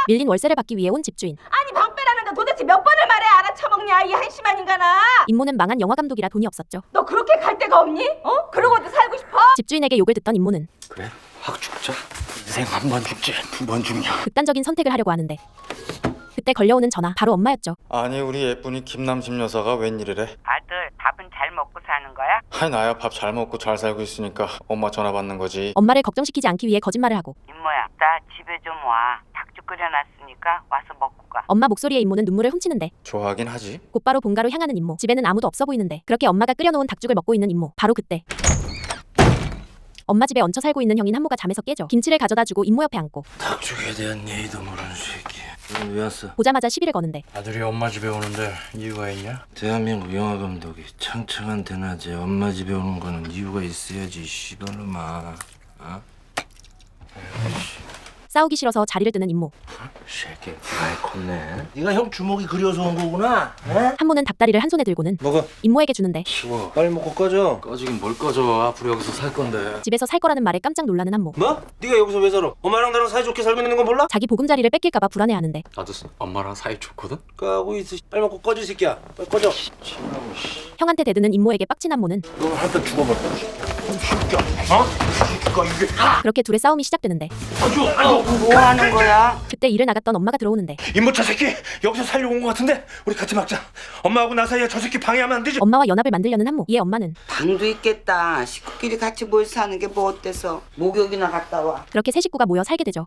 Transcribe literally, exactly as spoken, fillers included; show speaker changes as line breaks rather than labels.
밀린 월세를 받기 위해 온 집주인.
아니 방 빼라는데 도대체 몇 번을 말해 알아쳐먹냐 이 한심한 인간아.
임모는 망한 영화감독이라 돈이 없었죠.
너 그렇게 갈 데가 없니? 어? 그러고도 살고 싶어?
집주인에게 욕을 듣던 임모는
그래? 확 죽자. 인생 한 번 죽지 두 번 죽냐.
극단적인 선택을 하려고 하는데 그때 걸려오는 전화, 바로 엄마였죠.
아니 우리 예쁜이 김남심 여사가 웬일이래?
아들 밥은 잘 먹고 사는 거야?
아이 나야 밥 잘 먹고 잘 살고 있으니까 엄마 전화 받는 거지.
엄마를 걱정시키지 않기 위해 거짓말을 하고
임모야 나 집에 좀 와. 닭죽 끓여놨으니까 와서 먹고 가.
엄마 목소리에 임모는 눈물을 훔치는데
좋아하긴 하지.
곧바로 본가로 향하는 임모. 집에는 아무도 없어 보이는데 그렇게 엄마가 끓여놓은 닭죽을 먹고 있는 임모. 바로 그때 엄마 집에 얹혀 살고 있는 형인 한모가 잠에서 깨죠. 김치를 가져다 주고 임모 옆에 앉고
닭죽에 대한 예의도 모르는 새끼. 너는 왜 왔어?
보자마자 시비를 거는데
아들이 엄마 집에 오는데 이유가 있냐? 대한민국 영화 감독이 창창한 대낮에 엄마 집에 오는 거는 이유가 있어야지. 씨발놈아. 어?
싸우기 싫어서 자리를 뜨는 임모.
새끼 많이 컸네. 네가 형 주먹이 그리워서 온 거구나. 어?
한모는 닭다리를 한 손에 들고는
먹어.
임모에게 주는데
치워. 빨리 먹고 꺼져.
꺼지긴 뭘 꺼져. 앞으로 여기서 살 건데.
집에서 살 거라는 말에 깜짝 놀라는 한모.
뭐? 네가 여기서 왜 살아? 엄마랑 나랑 사이좋게 살고 있는 건 몰라?
자기 보금자리를 뺏길까봐 불안해하는데
나도 엄마랑 사이 좋거든.
까고 있어. 빨리 먹고 꺼져 이 새끼야. 빨리 꺼져.
형한테 대드는 임모에게 빡친 한모는
너 한대 죽어버려. 어?
그렇게 둘의 싸움이 시작되는데
뭐 하는 거야?
그때 일을 나갔던 엄마가 들어오는데
임모차 새끼 여기서 살려고 온 거 같은데 우리 같이 막자. 엄마하고 나 사이에 저 새끼 방해하면 안 되지?
엄마와 연합을 만들려는 한모. 이에 엄마는
방도 있겠다. 식구끼리 같이 모여 사는 게 뭐 어때서? 목욕이나 갔다 와.
그렇게 세 식구가 모여 살게 되죠.